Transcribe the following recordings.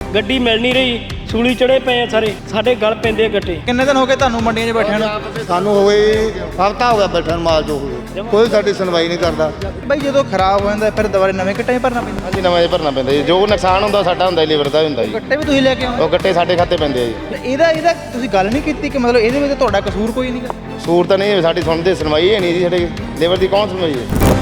ਗੱਡੀ ਮਿਲ ਨਹੀਂ ਰਹੀ, ਸੂਲੀ ਚੜੇ ਪਏ ਆ ਸਾਰੇ, ਸਾਡੇ ਗਲ ਪੈਂਦੇ ਗੱਟੇ। ਕਿੰਨੇ ਦਿਨ ਹੋ ਗਏ ਤੁਹਾਨੂੰ ਮੰਡੀਆਂ 'ਚ ਬੈਠਿਆਂ ਨੂੰ? ਸਾਨੂੰ ਹੋ ਗਏ ਹਫ਼ਤਾ ਹੋ ਗਿਆ ਬੈਠਣ ਮਾਲ ਜੋ ਹੋਵੇ, ਕੋਈ ਸਾਡੀ ਸੁਣਵਾਈ ਨਹੀਂ ਕਰਦਾ। ਬਾਈ ਜਦੋਂ ਖਰਾਬ ਹੋ ਜਾਂਦਾ ਫਿਰ ਦੁਬਾਰਾ ਨਵੇਂ ਗੱਟੇ 'ਚ ਭਰਨਾ ਪੈਂਦਾ? ਹਾਂਜੀ, ਨਵਾਂ ਭਰਨਾ ਪੈਂਦਾ ਜੀ। ਜੋ ਨੁਕਸਾਨ ਹੁੰਦਾ ਸਾਡਾ ਹੁੰਦਾ, ਲੀਵਰ ਦਾ ਹੁੰਦਾ ਜੀ। ਗੱਟੇ ਵੀ ਤੁਸੀਂ ਲੈ ਕੇ ਆਉਂਦੇ? ਉਹ ਗੱਟੇ ਸਾਡੇ ਖਾਤੇ ਪੈਂਦੇ ਆ ਜੀ। ਇਹਦਾ ਤੁਸੀਂ ਗੱਲ ਨਹੀਂ ਕੀਤੀ ਕਿ ਮਤਲਬ ਇਹਦੇ ਵਿੱਚ ਤੁਹਾਡਾ ਕਸੂਰ ਕੋਈ ਨਹੀਂਗਾ? ਸੂਰ ਤਾਂ ਨਹੀਂ, ਸਾਡੀ ਸੁਣਦੇ ਸੁਣਵਾਈ ਹੈ ਨਹੀਂ ਜੀ। ਸਾਡੇ ਲੀਵਰ ਦੀ ਕੌਣ ਸੁਣਵਾਈ ਹੈ?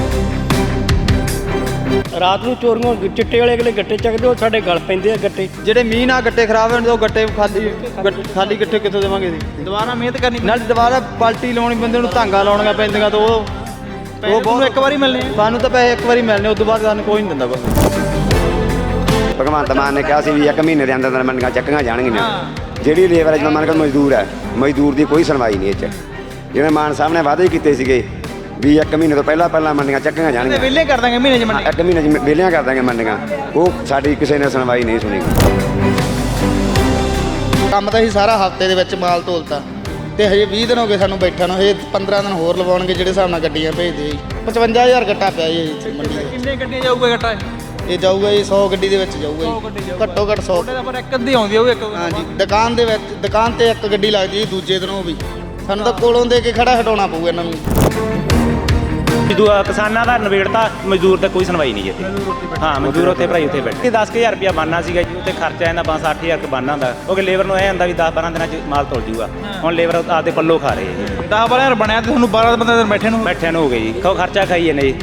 ਰਾਤ ਨੂੰ ਚੋਰੀਆਂ ਚਿੱਟੇ ਵਾਲੇ ਅਗਲੇ ਗੱਟੇ ਚੱਕਦੇ, ਉਹ ਸਾਡੇ ਗਲ ਪੈਂਦੇ ਆ ਗੱਟੇ। ਜਿਹੜੇ ਮੀਂਹ ਨਾਲ ਗੱਟੇ ਖਰਾਬ ਹੋਣ, ਉਹ ਗੱਟੇ ਖਾਲੀ ਗੱਟੇ ਕਿੱਥੋਂ ਦੇਵਾਂਗੇ ਜੀ? ਦੁਬਾਰਾ ਮਿਹਨਤ ਕਰਨੀ ਨਾਲ, ਦੁਬਾਰਾ ਪਾਲਟੀ ਲਾਉਣੀ, ਬੰਦੇ ਨੂੰ ਧਾਂਗਾ ਲਾਉਣੀਆਂ ਪੈਂਦੀਆਂ, ਤਾਂ ਉਹ ਬਹੁਤ ਇੱਕ ਵਾਰੀ ਮਿਲਣੇ। ਸਾਨੂੰ ਤਾਂ ਪੈਸੇ ਇੱਕ ਵਾਰੀ ਮਿਲਣੇ, ਉਸ ਤੋਂ ਬਾਅਦ ਸਾਨੂੰ ਕੋਈ ਨਹੀਂ ਦਿੰਦਾ ਕੁਛ। ਭਗਵੰਤ ਮਾਨ ਨੇ ਕਿਹਾ ਸੀ ਵੀ 1 ਮਹੀਨੇ ਦੇ ਅੰਦਰ ਅੰਦਰ ਮੰਡੀਆਂ ਚੱਕੀਆਂ ਜਾਣਗੀਆਂ। ਜਿਹੜੀ ਲੇਬਰ ਜਿਵੇਂ ਮੰਨ ਕੇ ਮਜ਼ਦੂਰ ਹੈ, ਮਜ਼ਦੂਰ ਦੀ ਕੋਈ ਸੁਣਵਾਈ ਨਹੀਂ ਇਹ 'ਚ। ਜਿਵੇਂ ਮਾਨ ਸਾਹਿਬ ਨੇ ਵਾਅਦੇ ਕੀਤੇ ਸੀਗੇ ਵੀ 1 ਮਹੀਨੇ ਤੋਂ ਪਹਿਲਾਂ ਮੰਡੀਆਂ ਚੱਕੀਆਂ ਜਾਣਗੀਆਂ, ਵਿਹਲੇ ਕਰ ਦਾਂਗੇ ਮਹੀਨੇ 'ਚ ਮੰਡੀ, 1 ਮਹੀਨੇ 'ਚ ਵਿਹਲੀਆਂ ਕਰ ਦਾਂਗੇ ਮੰਡੀਆਂ, ਉਹ ਸਾਡੀ ਕਿਸੇ ਨੇ ਸੁਣਵਾਈ ਨਹੀਂ ਸੁਣੀ। ਕੰਮ ਤਾਂ ਅਸੀਂ ਸਾਰਾ ਹਫ਼ਤੇ ਦੇ ਵਿੱਚ ਮਾਲ ਤੋਲਤਾ ਤੇ ਹਜੇ 20 ਦਿਨ ਹੋ ਗਏ ਸਾਨੂੰ ਬੈਠਾ ਨੂੰ। ਹਜੇ 15 ਦਿਨ ਹੋਰ ਲਵਾਉਣਗੇ ਜਿਹੜੇ ਹਿਸਾਬ ਨਾਲ ਗੱਡੀਆਂ ਭੇਜਦੇ ਜੀ। 55,000 ਗੱਟਾ ਪਿਆ ਜੀ ਇੱਥੇ ਮੰਡੀ ਦਾ। ਕਿੰਨੇ ਗੱਡੀਆਂ ਜਾਊਗਾ ਗੱਟਾ? ਇਹ ਜਾਊਗਾ ਜੀ 100 ਗੱਡੀ ਦੇ ਵਿੱਚ ਜਾਊਗਾ ਜੀ, ਘੱਟੋ ਘੱਟ 100। ਪਰ ਇੱਕ ਅੱਧੀ ਆਉਂਦੀ ਹੋਊ ਇੱਕ। ਹਾਂਜੀ, ਦੁਕਾਨ ਦੇ ਵਿੱਚ ਦੁਕਾਨ ਤੇ ਇੱਕ ਗੱਡੀ ਲੱਗਦੀ ਜੀ, ਦੂਜੇ ਦਿਨ ਉਹ ਵੀ ਸਾਨੂੰ ਤਾਂ ਕੋਲੋਂ ਦੇ ਕੇ ਖੜਾ ਹਟਾਉਣਾ ਪਊ ਇਹਨਾਂ ਨੂੰ। ਕਿਸਾਨਾਂ ਦਾ ਨਵੇੜਤਾ, ਮਜ਼ਦੂਰ ਤਾਂ ਕੋਈ ਸੁਣਵਾਈ ਨਹੀਂ ਇੱਥੇ। ਹਾਂ, ਮਜ਼ਦੂਰ ਉੱਥੇ ਭਰਾਈ ਉੱਥੇ ਬੈਠੇ। 10,000 ਰੁਪਇਆ ਬਣਨਾ ਸੀਗਾ ਜੀ, ਉੱਥੇ ਖਰਚਾ ਇਹਨਾਂ 5-8,000 ਰੁਪਇਆ ਬਣਨਾ ਹੁੰਦਾ, ਕਿਉਂਕਿ ਲੇਬਰ ਨੂੰ ਇਹ ਹੁੰਦਾ ਵੀ 10-12 ਦਿਨਾਂ 'ਚ ਮਾਲ ਤੁਲ ਜੂਗਾ। ਹੁਣ ਲੇਬਰ ਆਪਦੇ ਪੱਲੋਂ ਖਾ ਰਹੇ ਜੀ। 10-12 ਬਣਿਆ ਤੇ ਤੁਹਾਨੂੰ 12 ਬੰਦੇ ਬੈਠੇ ਨੂੰ ਹੋ ਗਏ ਜੀ, ਖਰਚਾ ਖਾਈ ਜਾਂਦੇ ਜੀ।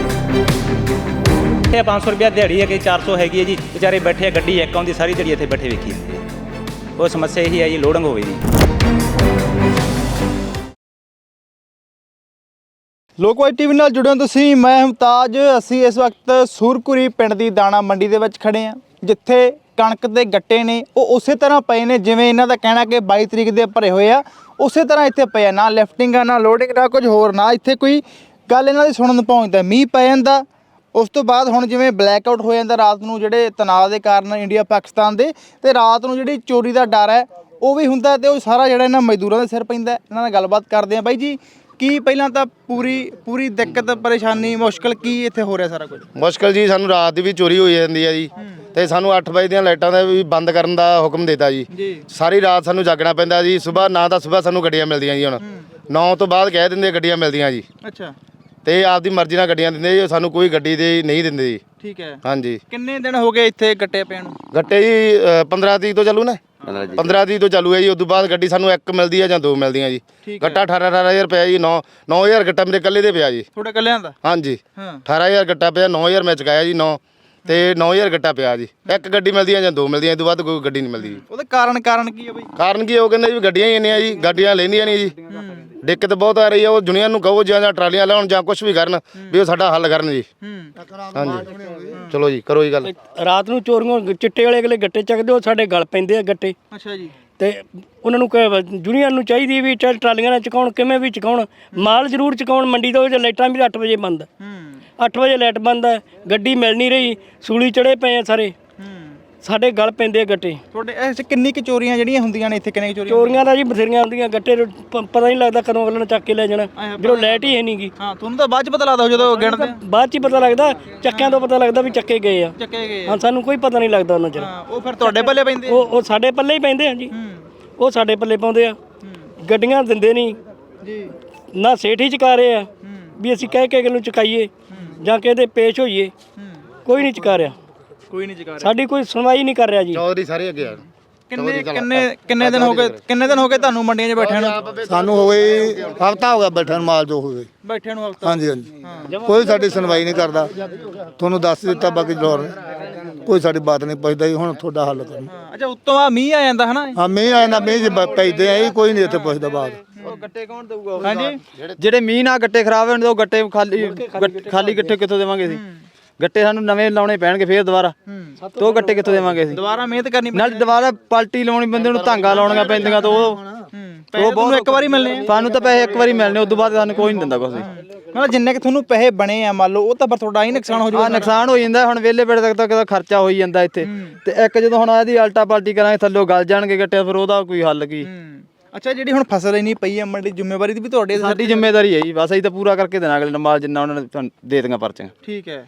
ਇਹ 500 ਰੁਪਇਆ ਦਿਹਾੜੀ ਹੈ ਕਿ 400 ਹੈਗੀ ਹੈ ਜੀ, ਵਿਚਾਰੇ ਬੈਠੇ ਆ, ਗੱਡੀ ਇੱਕ ਆਉਂਦੀ ਸਾਰੀ ਦਿਹਾੜੀ ਇੱਥੇ ਬੈਠੇ ਵੇਖੀ ਜਾਂਦੇ ਆ। ਉਹ ਸਮੱਸਿਆ ਇਹੀ ਹੈ ਜੀ, ਲੋਡਿੰਗ ਹੋਵੇ ਜੀ। ਲੋਕਵਾਈ ਟੀਵੀ ਨਾਲ ਜੁੜੇ ਹੋ ਤੁਸੀਂ, ਮੈਂ ਮੁਮਤਾਜ। ਅਸੀਂ ਇਸ ਵਕਤ ਸੂਰਕੁਰੀ ਪਿੰਡ ਦੀ ਦਾਣਾ ਮੰਡੀ ਦੇ ਵਿੱਚ ਖੜੇ ਹਾਂ, ਜਿੱਥੇ ਕਣਕ ਦੇ ਗੱਟੇ ਨੇ ਉਹ ਉਸੇ ਤਰ੍ਹਾਂ ਪਏ ਨੇ ਜਿਵੇਂ ਇਹਨਾਂ ਦਾ ਕਹਿਣਾ ਕਿ 22 ਤਰੀਕ ਦੇ ਭਰੇ ਹੋਏ ਆ, ਉਸੇ ਤਰ੍ਹਾਂ ਇੱਥੇ ਪਏ ਆ। ਨਾ ਲਿਫਟਿੰਗ ਆ, ਨਾ ਲੋਡਿੰਗ, ਨਾ ਕੁਝ ਹੋਰ, ਨਾ ਇੱਥੇ ਕੋਈ ਗੱਲ ਇਹਨਾਂ ਦੀ ਸੁਣਨ ਨੂੰ ਪਹੁੰਚਦਾ। ਮੀਂਹ ਪੈ ਜਾਂਦਾ, ਉਸ ਤੋਂ ਬਾਅਦ ਹੁਣ ਜਿਵੇਂ ਬਲੈਕ ਆਊਟ ਹੋ ਜਾਂਦਾ ਰਾਤ ਨੂੰ, ਜਿਹੜੇ ਤਣਾਅ ਦੇ ਕਾਰਨ ਇੰਡੀਆ ਪਾਕਿਸਤਾਨ ਦੇ, ਤੇ ਰਾਤ ਨੂੰ ਜਿਹੜੀ ਚੋਰੀ ਦਾ ਡਰ ਹੈ ਉਹ ਵੀ ਹੁੰਦਾ, ਤੇ ਉਹ ਸਾਰਾ ਜਿਹੜਾ ਇਹਨਾਂ ਮਜ਼ਦੂਰਾਂ ਦੇ ਸਿਰ ਪੈਂਦਾ। ਇਹਨਾਂ ਨਾਲ ਗੱਲਬਾਤ ਕਰਦੇ ਆ। ਬਾਈ ਜੀ, ਕੀ ਪਹਿਲਾਂ ਤਾਂ ਪੂਰੀ ਦਿੱਕਤ, ਪਰੇਸ਼ਾਨੀ, ਮੁਸ਼ਕਲ ਕੀ ਇੱਥੇ ਹੋ ਰਿਹਾ ਸਾਰਾ ਕੁਝ? ਮੁਸ਼ਕਲ ਜੀ, ਸਾਨੂੰ ਰਾਤ ਦੀ ਵੀ ਚੋਰੀ ਹੋਈ ਜਾਂਦੀ ਹੈ ਜੀ, ਤੇ ਸਾਨੂੰ 8 ਵਜੇ ਦੀਆਂ ਲਾਈਟਾਂ ਦਾ ਵੀ ਬੰਦ ਕਰਨ ਦਾ ਹੁਕਮ ਦਿੱਤਾ ਜੀ। ਸਾਰੀ ਰਾਤ ਸਾਨੂੰ ਜਾਗਣਾ ਪੈਂਦਾ ਜੀ। ਸਵੇਰ ਨਾ ਤਾਂ ਸਵੇਰ ਸਾਨੂੰ ਗੱਡੀਆਂ ਮਿਲਦੀਆਂ ਜੀ, ਹੁਣ 9 ਤੋਂ ਬਾਅਦ ਕਹਿ ਦਿੰਦੇ ਗੱਡੀਆਂ ਮਿਲਦੀਆਂ ਜੀ। ਅੱਛਾ, ਤੇ ਆਪਦੀ ਮਰਜ਼ੀ ਨਾਲ ਗੱਡੀਆਂ ਦਿੰਦੇ ਜੀ, ਸਾਨੂੰ ਕੋਈ ਗੱਡੀ ਦੇ ਨਹੀਂ ਦਿੰਦੇ ਜੀ। ਠੀਕ ਹੈ। ਹਾਂਜੀ। ਕਿੰਨੇ ਦਿਨ ਹੋ ਗਏ ਇੱਥੇ ਗੱਟੇ ਪੈਣ ਨੂੰ? ਗੱਟੇ ਜੀ 15 ਤਰੀਕ ਤੋਂ ਚੱਲੂ ਨਾ, 15 ਤਰੀਕ ਤੋਂ ਚਾਲੂ ਹੈ ਜੀ। ਉਸ ਤੋਂ ਬਾਅਦ ਗੱਡੀ ਸਾਨੂੰ 1 ਮਿਲਦੀ ਹੈ ਜਾਂ 2 ਮਿਲਦੀਆਂ ਜੀ। ਗੱਟਾ 18,000 ਰੁਪਇਆ ਜੀ। 9,000 ਗੱਟਾ ਮੇਰੇ ਇਕੱਲੇ ਦੇ ਪਿਆ ਜੀ। ਤੁਹਾਡੇ ਇਕੱਲਿਆਂ ਦਾ? ਹਾਂਜੀ, 18,000 ਗੱਟਾ ਪਿਆ, 9,000 ਮੈਂ ਚੁਕਾਇਆ ਜੀ। 9 ਤੇ 9,000 ਗੱਟਾ ਪਿਆ ਜੀ। 1 ਗੱਡੀ ਮਿਲਦੀ ਹੈ ਜਾਂ 2 ਮਿਲਦੀਆਂ, ਇਸ ਤੋਂ ਬਾਅਦ ਕੋਈ ਗੱਡੀ ਨਹੀਂ ਮਿਲਦੀ ਜੀ। ਉਹਦਾ ਕਾਰਨ ਕੀ ਹੈ ਬਈ? ਕਾਰਨ ਕੀ, ਉਹ ਕਹਿੰਦੇ ਵੀ ਗੱਡੀਆਂ ਹੀ ਇੰਨੀਆਂ ਜੀ, ਗੱਡੀਆਂ ਲੈਂਦੀਆਂ ਨਹੀਂ ਜੀ। ਦਿੱਕਤ ਬਹੁਤ ਆ ਰਹੀ ਹੈ। ਉਹ ਦੁਨੀਆ ਨੂੰ ਕਹੋ ਜਾਂ ਟਰਾਲੀਆਂ ਲਾਉਣ ਜਾਂ ਕੁਝ ਵੀ ਕਰਨ, ਵੀ ਉਹ ਸਾਡਾ ਹੱਲ ਕਰਨ ਜੀ। ਹਾਂਜੀ, ਚਲੋ ਜੀ, ਕਰੋ ਜੀ ਗੱਲ। ਰਾਤ ਨੂੰ ਚੋਰੀਆਂ ਚਿੱਟੇ ਵਾਲੇ ਅਗਲੇ ਗੱਟੇ ਚੱਕਦੇ, ਉਹ ਸਾਡੇ ਗਲ ਪੈਂਦੇ ਆ ਗੱਟੇ। ਅੱਛਾ ਜੀ। ਤੇ ਉਹਨਾਂ ਨੂੰ ਯੂਨੀਅਨ ਨੂੰ ਚਾਹੀਦੀ ਵੀ ਚੱਲ ਟਰਾਲੀਆਂ ਨਾਲ ਚਕਾਉਣ, ਕਿਵੇਂ ਵੀ ਚਕਾਉਣ, ਮਾਲ ਜ਼ਰੂਰ ਚਕਾਉਣ ਮੰਡੀ ਤੋਂ। ਲਾਈਟਾਂ ਵੀ 8 ਵਜੇ ਬੰਦ, 8 ਵਜੇ ਲਾਈਟ ਬੰਦ ਹੈ, ਗੱਡੀ ਮਿਲ ਨਹੀਂ ਰਹੀ, ਸੂਲੀ ਚੜੇ ਪਏ ਆ ਸਾਰੇ, ਸਾਡੇ ਗਲ ਪੈਂਦੇ ਗੱਟੇ। ਤੁਹਾਡੇ ਇਸ ਕਿੰਨੀ ਕੁ ਚੋਰੀਆਂ ਜਿਹੜੀਆਂ ਹੁੰਦੀਆਂ ਨੇ ਇੱਥੇ? ਕਿੰਨੇ ਚੋਰੀਆਂ ਦਾ ਜੀ ਬਥੇਰੀਆਂ ਹੁੰਦੀਆਂ, ਗੱਟੇ ਪਤਾ ਨਹੀਂ ਲੱਗਦਾ ਕਦੋਂ ਅਗਲੇ ਨੇ ਚੱਕ ਕੇ ਲੈ ਜਾਣਾ, ਜਦੋਂ ਲਾਈਟ ਹੀ ਹੈ ਨਹੀਂ ਗੀ। ਹਾਂ, ਤੁਹਾਨੂੰ ਤਾਂ ਬਾਅਦ ਚ ਪਤਾ ਲੱਗਦਾ ਜਦੋਂ ਗਿਣਦੇ? ਬਾਅਦ ਚ ਹੀ ਪਤਾ ਲੱਗਦਾ, ਚੱਕਿਆਂ ਤੋਂ ਪਤਾ ਲੱਗਦਾ ਵੀ ਚੱਕੇ ਗਏ ਆ। ਹਾਂ, ਸਾਨੂੰ ਕੋਈ ਪਤਾ ਨਹੀਂ ਲੱਗਦਾ ਉਹਨਾਂ ਚਿਰ। ਉਹ ਫਿਰ ਤੁਹਾਡੇ ਪੱਲੇ ਪੈਂਦੇ? ਉਹ ਸਾਡੇ ਪੱਲੇ ਹੀ ਪੈਂਦੇ ਆ ਜੀ, ਉਹ ਸਾਡੇ ਪੱਲੇ ਪਾਉਂਦੇ ਆ। ਗੱਡੀਆਂ ਦਿੰਦੇ ਨਹੀਂ ਜੀ, ਨਾ ਸੇਠ ਹੀ ਚੁਕਾ ਰਹੇ ਆ ਵੀ ਅਸੀਂ ਕਹਿ ਕੇ ਨੂੰ ਚੁਕਾਈਏ ਜਾਂ ਕਿਤੇ ਪੇਸ਼ ਹੋਈਏ, ਕੋਈ ਨਹੀਂ ਚੁਕਾ ਰਿਹਾ, ਕੋਈ ਨਹੀਂ ਚੁਕਾ ਰਿਹਾ, ਸਾਡੀ ਕੋਈ ਸੁਣਵਾਈ ਨਹੀਂ ਕਰ ਰਿਹਾ ਜੀ। ਚੌਧਰੀ ਸਾਰੇ ਅੱਗੇ ਆ। ਕਿੰਨੇ ਦਿਨ ਹੋ ਗਏ ਤੁਹਾਨੂੰ ਮੰਡੀਆਂ 'ਚ ਬੈਠਿਆਂ ਨੂੰ? ਸਾਨੂੰ ਹੋ ਗਏ ਹਫ਼ਤਾ ਹੋ ਗਿਆ ਬੈਠਣ ਮਾਲ ਜੋ ਹੋਵੇ ਬੈਠਿਆਂ ਨੂੰ ਹਫ਼ਤਾ? ਹਾਂਜੀ ਹਾਂਜੀ, ਕੋਈ ਸਾਡੀ ਸੁਣਵਾਈ ਨਹੀਂ ਕਰਦਾ। ਤੁਹਾਨੂੰ ਦੱਸ ਦਿੱਤਾ, ਬਾਕੀ ਲੋੜ ਕੋਈ ਸਾਡੀ ਬਾਤ ਨਹੀਂ ਪੁੱਛਦਾ ਜੀ। ਹੁਣ ਤੁਹਾਡਾ ਹੱਲ ਕਰਨਾ। ਅੱਛਾ, ਉੱਤੋਂ ਆ ਮੀਂਹ ਆ ਜਾਂਦਾ ਹਨਾ? ਹਾਂ, ਮੀਂਹ ਆ ਜਾਂਦਾ, ਮੀਂਹ ਪੈਂਦੇ ਆ, ਕੋਈ ਨਹੀਂ ਇੱਥੇ ਪੁੱਛਦਾ ਬਾਤ। ਉਹ ਗੱਟੇ ਕੌਣ ਦੇਊਗਾ? ਹਾਂਜੀ, ਜਿਹੜੇ ਮੀਂਹ ਨਾਲ ਗੱਟੇ ਖਰਾਬ ਹੋਣ, ਉਹ ਗੱਟੇ ਖਾਲੀ ਗੱਟੇ ਕਿੱਥੋਂ ਦੇਵਾਂਗੇ ਅਸੀਂ? ਗੱਟੇ ਸਾਨੂੰ ਨਵੇਂ ਲਾਉਣੇ ਪੈਣਗੇ ਫੇਰ ਦੁਬਾਰਾ, ਤੇ ਉਹ ਗੱਟੇ ਕਿੱਥੋਂ ਦੇਵਾਂਗੇ ਅਸੀਂ? ਦੁਬਾਰਾ ਮਿਹਨਤ ਕਰਨੀ ਨਾਲ, ਦੁਬਾਰਾ ਪਾਲਟੀ ਲਾਉਣੀ, ਬੰਦੇ ਨੂੰ ਧਾਂਗਾ ਲਾਉਣੀਆਂ ਪੈਂਦੀਆਂ, ਤਾਂ ਉਹ ਬਹੁਤ ਇੱਕ ਵਾਰੀ ਮਿਲਣੇ। ਸਾਨੂੰ ਤਾਂ ਪੈਸੇ ਇੱਕ ਵਾਰੀ ਮਿਲਣੇ, ਉਸ ਤੋਂ ਬਾਅਦ ਸਾਨੂੰ ਕੋਈ ਨਹੀਂ ਦਿੰਦਾ ਕੁਛ। ਮਤਲਬ ਜਿੰਨੇ ਕਿ ਤੁਹਾਨੂੰ ਪੈਸੇ ਬਣੇ ਆ ਮੰਨ ਲਓ, ਉਹ ਤਾਂ ਫਿਰ ਤੁਹਾਡਾ ਹੀ ਨੁਕਸਾਨ ਹੋ ਜਾਊਗਾ। ਨੁਕਸਾਨ ਹੋ ਜਾਂਦਾ। ਹੁਣ ਵਿਹਲੇ ਬੈਠ ਤੱਕ ਤਾਂ ਖਰਚਾ ਹੋ ਹੀ ਜਾਂਦਾ ਇੱਥੇ, ਤੇ ਇੱਕ ਜਦੋਂ ਹੁਣ ਇਹਦੀ ਅਲਟਾ ਪਾਲਟੀ ਕਰਾਂਗੇ, ਥੱਲੋਂ ਗਲ ਜਾਣਗੇ ਗੱਟੇ, ਫਿਰ ਉਹਦਾ ਕੋਈ ਹੱਲ ਕੀ? ਅੱਛਾ, ਜਿਹੜੀ ਹੁਣ ਫਸਲ ਇੰਨੀ ਪਈ ਹੈ ਮੰਡੀ, ਜ਼ਿੰਮੇਵਾਰੀ ਦੀ ਵੀ ਤੁਹਾਡੇ? ਸਾਡੀ ਜ਼ਿੰਮੇਵਾਰੀ ਹੈ ਜੀ, ਬਸ ਅਸੀਂ ਤਾਂ ਪੂਰਾ ਕਰਕੇ ਦੇਣਾ ਅਗਲੇ ਨਾਲ ਮਾਲ, ਜਿੰਨਾ ਉਹਨਾਂ ਨੇ ਦੇ ਦਿੱਤੀਆਂ ਪਰਚੀਆਂ। ਠੀਕ ਹੈ।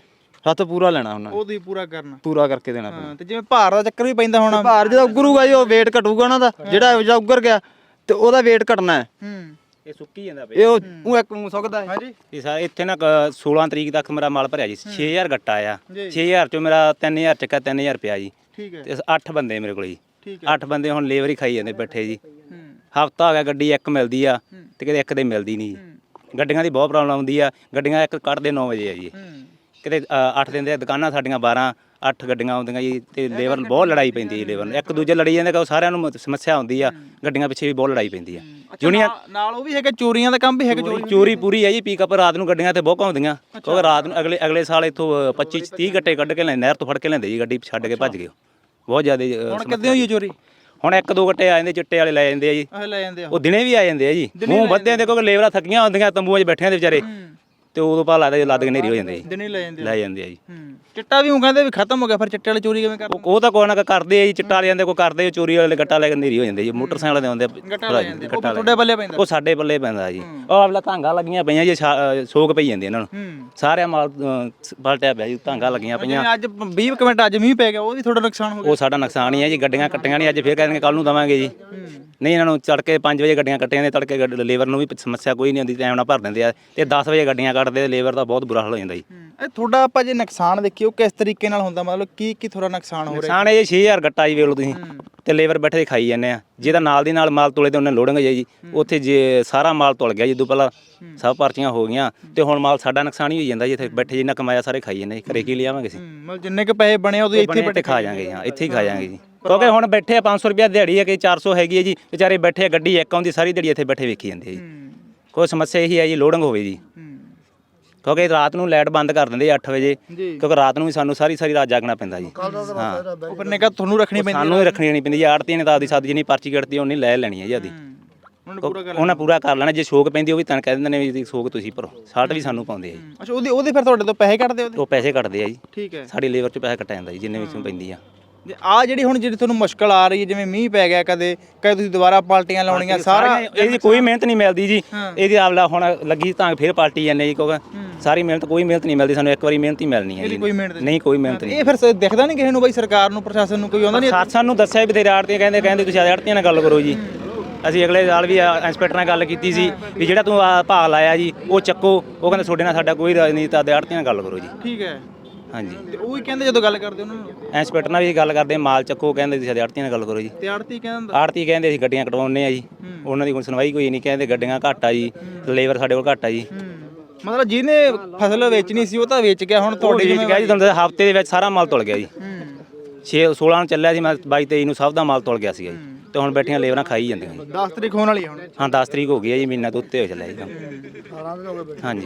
ਹੱਥ ਪੂਰਾ ਲੈਣਾ ਉਹਨਾਂ ਨੇ, ਉਹ ਤੁਸੀਂ ਪੂਰਾ ਕਰਨਾ। ਪੂਰਾ ਕਰਕੇ ਦੇਣਾ ਪੈਣਾ। ਹਾਂ, ਤੇ ਜਿਵੇਂ ਭਾਰ ਦਾ ਚੱਕਰ ਵੀ ਪੈਂਦਾ ਹੋਣਾ। ਭਾਰ ਜਦੋਂ ਉੱਗਰੂਗਾ ਜੀ ਉਹ weight ਘਟੂਗਾ ਉਹਨਾਂ ਦਾ, ਜਿਹੜਾ ਉੱਗਰ ਗਿਆ ਤੇ ਉਹਦਾ weight ਘਟਣਾ ਹੈ। ਇਹ ਸੁੱਕੀ ਜਾਂਦਾ ਇਹ ਉਹ ਇੱਕ ਨੂੰ ਸੁੱਕਦਾ ਹੈ। ਹਾਂਜੀ ਇਹ ਸਾਰੇ ਇੱਥੇ ਨਾ 16 ਤਰੀਕ ਤੱਕ ਮੇਰਾ ਮਾਲ ਭਰਿਆ ਜੀ 6000 ਗੱਟਾ ਆ 6000 ਚੋਂ ਮੇਰਾ 3000 ਚੱਕਾ 3000 ਰੁਪਿਆ ਜੀ ਠੀਕ ਹੈ ਤੇ 8 ਬੰਦੇ ਮੇਰੇ ਕੋਲ ਜੀ ਠੀਕ 8 ਬੰਦੇ ਹੁਣ ਲੇਬਰ ਹੀ ਖਾਈ ਜਾਂਦੇ ਬੈਠੇ ਜੀ ਹਫਤਾ ਹੋ ਗਿਆ ਗੱਡੀ ਇੱਕ ਮਿਲਦੀ ਆ ਤੇ ਕਿਤੇ ਇੱਕ ਦੇ ਮਿਲਦੀ ਨਹੀਂ ਜੀ ਗੱਡੀਆਂ ਦੀ ਬਹੁਤ ਪ੍ਰੋਬਲਮ ਆਉਂਦੀ ਆ ਗੱਡੀਆਂ ਇੱਕ ਕੱਢਦੇ 9 ਵਜੇ ਆ ਜੀ ਕਿਤੇ 8 ਦਿਨ ਦੇ ਦੁਕਾਨਾਂ ਸਾਡੀਆਂ 12 8 ਗੱਡੀਆਂ ਆਉਂਦੀਆਂ ਜੀ ਤੇ ਲੇਬਰ ਬਹੁਤ ਲੜਾਈ ਪੈਂਦੀ ਹੈ ਲੇਬਰ ਨੂੰ ਇੱਕ ਦੂਜੇ ਲੜੀ ਜਾਂਦੇ ਕਿ ਸਾਰਿਆਂ ਨੂੰ ਸਮੱਸਿਆ ਆਉਂਦੀ ਆ ਗੱਡੀਆਂ ਪਿੱਛੇ ਵੀ ਬਹੁਤ ਲੜਾਈ ਪੈਂਦੀ ਆ ਜੁਨੀਅਰ ਨਾਲ ਉਹ ਵੀ ਹੈਗਾ, ਚੋਰੀਆਂ ਦਾ ਕੰਮ ਵੀ ਹੈਗਾ। ਚੋਰੀ ਪੂਰੀ ਹੈ ਜੀ ਪੀਕਅਪ ਰਾਤ ਨੂੰ ਗੱਡੀਆਂ ਤੇ ਬਹੁਤ ਘੁੰਮਦੀਆਂ ਕਿਉਂਕਿ ਰਾਤ ਨੂੰ ਅਗਲੇ ਸਾਲ ਇੱਥੋਂ 25 30 ਗੱਟੇ ਕੱਢ ਕੇ ਲੈ ਨਹਿਰ ਤੋਂ ਫੜ ਕੇ ਲੈਂਦੇ ਜੀ ਗੱਡੀ ਛੱਡ ਕੇ ਭੱਜ ਗਏ ਬਹੁਤ ਜ਼ਿਆਦਾ ਹੁਣ ਕਿੱਦਾਂ ਹੋਈ ਹੈ ਚੋਰੀ? ਹੁਣ ਇੱਕ ਦੋ ਗੱਟੇ ਆ ਜਾਂਦੇ ਚਿੱਟੇ ਵਾਲੇ ਲੈ ਜਾਂਦੇ ਆ ਜੀ ਲੈ ਜਾਂਦੇ ਆ ਉਹ ਦਿਨੇ ਵੀ ਆ ਜਾਂਦੇ ਆ ਜੀ ਮੂੰਹ ਵੱਧਿਆਂ ਦੇ ਕਿਉਂਕਿ ਲੇਬਰਾਂ ਥੱਕੀਆਂ ਹੁੰਦੀਆਂ ਤੰਬੂਆਂ 'ਚ ਬੈਠਿਆਂ ਦੇ ਵਿਚਾਰੇ ਤੇ ਉਦੋਂ ਪਾ ਲੱਗਦਾ ਲੱਦ ਕੇ ਨੇਰੀ ਹੋ ਜਾਂਦੇ ਜੀ ਦਿਨੇ ਲੈ ਜਾਂਦੇ ਲੈ ਜਾਂਦੇ ਆ ਜੀ ਚਿੱਟਾ ਵੀ ਉਹ ਕਹਿੰਦੇ ਵੀ ਖਤਮ ਹੋ ਗਿਆ, ਫਿਰ ਚਿੱਟੇ ਵਾਲੀ ਚੋਰੀ ਕਿਵੇਂ ਕਰਦੇ? ਉਹ ਤਾਂ ਕੋਈ ਨਾ ਕੋਈ ਕਰਦੇ ਆ ਜੀ ਚਿੱਟਾ ਲੈ ਜਾਂਦੇ ਕੋਈ ਕਰਦੇ ਚੋਰੀ ਵਾਲੇ ਗੱਟਾ ਲੈ ਕੇ ਨੇਰੀ ਹੋ ਜਾਂਦੇ ਜੀ ਮੋਟਰਸਾਈਕਲ ਦੇ ਆਉਂਦੇ ਉਹ ਤੁਹਾਡੇ ਬੱਲੇ ਪੈਂਦਾ। ਉਹ ਸਾਡੇ ਪੱਲੇ ਪੈਂਦਾ ਜੀ ਉਹ ਆਪਲਾ ਧਾਂਗਾ ਲੱਗੀਆਂ ਪਈਆਂ ਜੀ ਸੋਕ ਪਈ ਜਾਂਦੀ ਇਹਨਾਂ ਨੂੰ ਸਾਰਿਆਂ ਮਾਲ ਪਲਟਿਆ ਪਿਆ ਜੀ ਧਾਂਗਾ ਲੱਗੀਆਂ ਪਈਆਂ ਅੱਜ 20 ਮਿੰਟ ਅੱਜ ਮੀਂਹ ਪੈ ਗਿਆ, ਉਹ ਵੀ ਥੋੜਾ ਨੁਕਸਾਨ ਹੋ ਗਿਆ। ਉਹ ਸਾਡਾ ਨੁਕਸਾਨ ਹੀ ਹੈ ਜੀ ਗੱਡੀਆਂ ਕੱਟੀਆਂ ਨਹੀਂ ਅੱਜ ਫੇਰ ਕਹਿੰਦੇ ਕੱਲ ਨੂੰ ਦਵਾਂਗੇ ਜੀ ਨਹੀਂ ਇਹਨਾਂ ਨੂੰ ਤੜਕੇ 5 ਵਜੇ ਗੱਡੀਆਂ ਕੱਟੀਆਂ ਨੇ ਤੜਕੇ ਲੇਬਰ ਨੂੰ ਵੀ ਸਮੱਸਿਆ ਕੋਈ ਨਹੀਂ ਆਉਂਦੀ ਟਾਈਮ ਨਾਲ ਭਰ ਦਿੰਦੇ ਆ ਤੇ 10 ਵਜੇ ਗੱਡੀਆਂ ਕੱਟਦੇ ਲੇਬਰ ਦਾ ਬਹੁਤ ਬੁਰਾ ਹਾਲ ਹੋ ਜਾਂਦਾ ਜੀ ਇਹ ਤੁਹਾਡਾ ਆਪਾਂ ਜੇ ਨੁਕਸਾਨ ਦੇਖੀਏ ਉਹ ਕਿਸ ਤਰੀਕੇ ਨਾਲ ਹੁੰਦਾ, ਮਤਲਬ ਕੀ ਥੋੜਾ ਨੁਕਸਾਨ ਹੋ ਰਿਹਾ? ਨੁਕਸਾਨ ਇਹ 6000 ਗੱਟਾ ਜੀ ਵੇਖ ਲਓ ਤੁਸੀਂ ਤੇ ਲੇਬਰ ਬੈਠੇ ਦੇ ਖਾਈ ਜਾਂਦੇ ਆ ਜਿਹਦਾ ਨਾਲ ਦੀ ਨਾਲ ਮਾਲ ਤੋਲੇ ਤੇ ਉਹਨੇ ਲੋਡਿੰਗ ਜੀ ਉੱਥੇ ਜੇ ਸਾਰਾ ਮਾਲ ਤੁਲ ਗਿਆ ਜਦੋਂ ਪਹਿਲਾਂ ਸਭ ਪਰਚੀਆਂ ਹੋ ਗਈਆਂ ਤੇ ਹੁਣ ਮਾਲ ਸਾਡਾ ਨੁਕਸਾਨ ਹੀ ਹੋਈ ਜਾਂਦਾ ਜੀ ਇੱਥੇ ਬੈਠੇ ਜਿੰਨਾ ਕਮਾਇਆ ਸਾਰੇ ਖਾਈ ਜਾਂਦੇ ਘਰੇ ਕੀ ਲਿਆਵਾਂਗੇ ਅਸੀਂ ਮਤਲਬ ਜਿੰਨੇ ਕ ਪੈਸੇ ਬਣੇ ਉਹਦੇ ਇੱਥੇ ਬੈਠੇ ਖਾ ਜਾਾਂਗੇ ਹਾਂ ਇੱਥੇ ਹੀ ਖਾ ਜਾਾਂਗੇ ਜੀ ਕਿਉਂਕਿ ਹੁਣ ਬੈਠੇ ਆ 500 ਰੁਪਿਆ ਦਿਹਾੜੀ ਹੈ ਕਿ 400 ਹੈਗੀ ਹੈ ਜੀ ਵਿਚਾਰੇ ਬੈਠੇ ਆ ਗੱਡੀ ਇੱਕ ਆਉਂਦੀ ਸਾਰੀ ਦਿਹਾੜੀ ਇੱਥੇ ਬੈਠੇ ਵੇਖੀ ਜਾਂਦੇ ਆ ਜੀ ਕੋਈ ਸਮੱਸਿਆ ਇਹੀ ਹੈ ਜੀ ਲੋਡਿੰਗ ਹੋਵੇ ਜੀ ਕਿਉਂਕਿ ਰਾਤ ਨੂੰ ਲਾਈਟ ਬੰਦ ਕਰ ਦਿੰਦੇ 8 ਵਜੇ ਕਿਉਂਕਿ ਰਾਤ ਨੂੰ ਵੀ ਸਾਨੂੰ ਸਾਰੀ ਰਾਤ ਜਾਗਣਾ ਪੈਂਦਾ ਜੀ ਹਾਂ ਉੱਪਰ ਨਿਗਾਹ ਤੁਹਾਨੂੰ ਰੱਖਣੀ ਪੈਂਦੀ ਸਾਨੂੰ ਹੀ ਰੱਖਣੀ ਨਹੀਂ ਪੈਂਦੀ ਜੀ ਆੜਤੀ ਨੇ ਤਾਂ ਆਪਦੀ ਸਾਦੀ ਜਿੰਨੀ ਪਰਚੀ ਕੱਟਦੀ ਉਹਨੀ ਲੈ ਲੈਣੀ ਹੈ ਜੀ ਆਦੀ ਉਹਨਾਂ ਪੂਰਾ ਕਰ ਲੈਣਾ ਜੇ ਸ਼ੋਕ ਪੈਂਦੀ ਉਹ ਵੀ ਤਾਂ ਕਹਿ ਦਿੰਦੇ ਨੇ ਵੀ ਸ਼ੋਕ ਤੁਸੀਂ ਭਰੋ ਸਾਲਟ ਵੀ ਸਾਨੂੰ ਪਾਉਂਦੇ ਆ ਜੀ ਅੱਛਾ ਉਹਦੇ ਫਿਰ ਤੁਹਾਡੇ ਤੋਂ ਪੈਸੇ ਕੱਟਦੇ ਉਹਦੇ? ਉਹ ਪੈਸੇ ਕੱਟਦੇ ਆ ਜੀ ਠੀਕ ਹੈ ਸਾਡੀ ਲੇਬਰ 'ਚ ਪੈਸਾ ਕੱਟਿਆ ਜਾਂਦਾ ਜੀ ਜਿੰਨੇ ਵਿੱਚੋਂ ਪੈਂਦੀ ਆ ਆ ਜਿਹੜੀ ਹੁਣ ਜਿਹੜੀ ਤੁਹਾਨੂੰ ਮੁਸ਼ਕਲ ਆ ਰਹੀ ਹੈ ਜਿਵੇਂ ਮੀਂਹ ਪੈ ਗਿਆ ਕਦੇ ਤੁਸੀਂ ਦੁਬਾਰਾ ਪਾਲਟੀਆਂ ਲਾਉਣੀਆਂ ਸਾਰਾ ਇਹਦੀ ਕੋਈ ਮਿਹਨਤ ਨਹੀਂ ਮਿਲਦੀ ਜੀ ਇਹਦੀ ਆਵਲਾ ਹੁਣ ਲੱਗੀ ਤਾਂ ਫਿਰ ਪਾਲਟੀ ਜਾਂਦੇ ਜੀ ਕਿਉਂਕਿ ਸਾਰੀ ਮਿਹਨਤ ਕੋਈ ਮਿਹਨਤ ਨਹੀਂ ਮਿਲਦੀ ਸਾਨੂੰ ਇੱਕ ਵਾਰੀ ਮਿਹਨਤ ਹੀ ਮਿਲਣੀ ਹੈ ਜੀ ਨਹੀਂ ਕੋਈ ਮਿਹਨਤ ਨਹੀਂ ਇਹ ਫਿਰ ਦਿਖਦਾ ਨਹੀਂ ਕਿਸੇ ਨੂੰ ਬਈ ਸਰਕਾਰ ਨੂੰ ਪ੍ਰਸ਼ਾਸਨ ਨੂੰ ਕੋਈ ਆਉਂਦਾ ਨਹੀਂ ਸਾਨੂੰ ਦੱਸਿਆ ਵੀ ਤੇਰੇ ਆੜਤੀਆਂ ਕਹਿੰਦੇ ਤੁਸੀਂ ਆੜਤੀਆਂ ਨਾਲ ਗੱਲ ਕਰੋ ਜੀ ਅਸੀਂ ਅਗਲੇ ਸਾਲ ਵੀ ਇੰਸਪੈਕਟਰ ਨਾਲ ਗੱਲ ਕੀਤੀ ਸੀ ਵੀ ਜਿਹੜਾ ਤੂੰ ਭਾਅ ਲਾਇਆ ਜੀ ਉਹ ਚੱਕੋ ਉਹ ਕਹਿੰਦੇ ਤੁਹਾਡੇ ਨਾਲ ਸਾਡਾ ਕੋਈ ਰਾਜਨੀਤੀ ਤਾਂ ਆੜਤੀਆਂ ਨਾਲ ਗੱਲ ਕਰੋ ਜੀ ਠੀਕ ਹੈ ਹਾਂਜੀ ਤੇ ਉਹ ਵੀ ਕਹਿੰਦੇ ਜਦੋਂ ਗੱਲ ਕਰਦੇ ਉਹਨਾਂ ਨੂੰ ਇੰਸਪੈਕਟਰ ਨਾਲ ਵੀ ਗੱਲ ਕਰਦੇ ਮਾਲ ਚੱਕੋ ਕਹਿੰਦੇ ਤੁਸੀਂ ਆੜਤੀਆਂ ਨਾਲ ਗੱਲ ਕਰੋ ਜੀ ਤੇ ਆੜਤੀ ਕਹਿੰਦਾ ਆੜਤੀ ਕਹਿੰਦੇ ਅਸੀਂ ਗੱਡੀਆਂ ਕਟਵਾਉਂਦੇ ਆ ਜੀ ਉਹਨਾਂ ਦੀ ਕੋਈ ਸੁਣਵਾਈ ਕੋਈ ਨਹੀਂ ਕਹਿੰਦੇ ਗੱਡੀਆਂ ਘੱਟ ਆ ਜੀ ਲੇਬਰ ਸਾਡੇ ਕੋਲ ਘੱਟ ਆ ਜੀ ਮਤਲਬ ਜਿਹਨੇ ਫਸਲ ਵੇਚਣੀ ਸੀ ਉਹ ਤਾਂ ਵੇਚ ਗਿਆ ਹੁਣ ਤੁਹਾਡੇ ਵੇਚ ਗਿਆ ਜੀ ਤੁਹਾਨੂੰ ਹਫਤੇ ਦੇ ਵਿੱਚ ਸਾਰਾ ਮਾਲ ਤੁਲ ਗਿਆ ਜੀ 16 ਨੂੰ ਚੱਲਿਆ ਸੀ ਮੈਂ 22 23 ਨੂੰ ਸਭ ਦਾ ਮਾਲ ਤੁਲ ਗਿਆ ਸੀਗਾ ਜੀ ਤੇ ਹੁਣ ਬੈਠੀਆਂ ਲੇਬਰਾਂ ਖਾਈ ਜਾਂਦੀਆਂ ਜੀ 10 ਤਰੀਕ ਹੋਣ ਵਾਲੀ ਹੁਣ ਹਾਂ 10 ਤਰੀਕ ਹੋ ਗਈ ਹੈ ਜੀ ਮਹੀਨਾ ਤੋਂ ਉੱਤੇ ਹੋ ਚੱਲਿਆ ਜੀ ਕੰਮ ਹਾਂਜੀ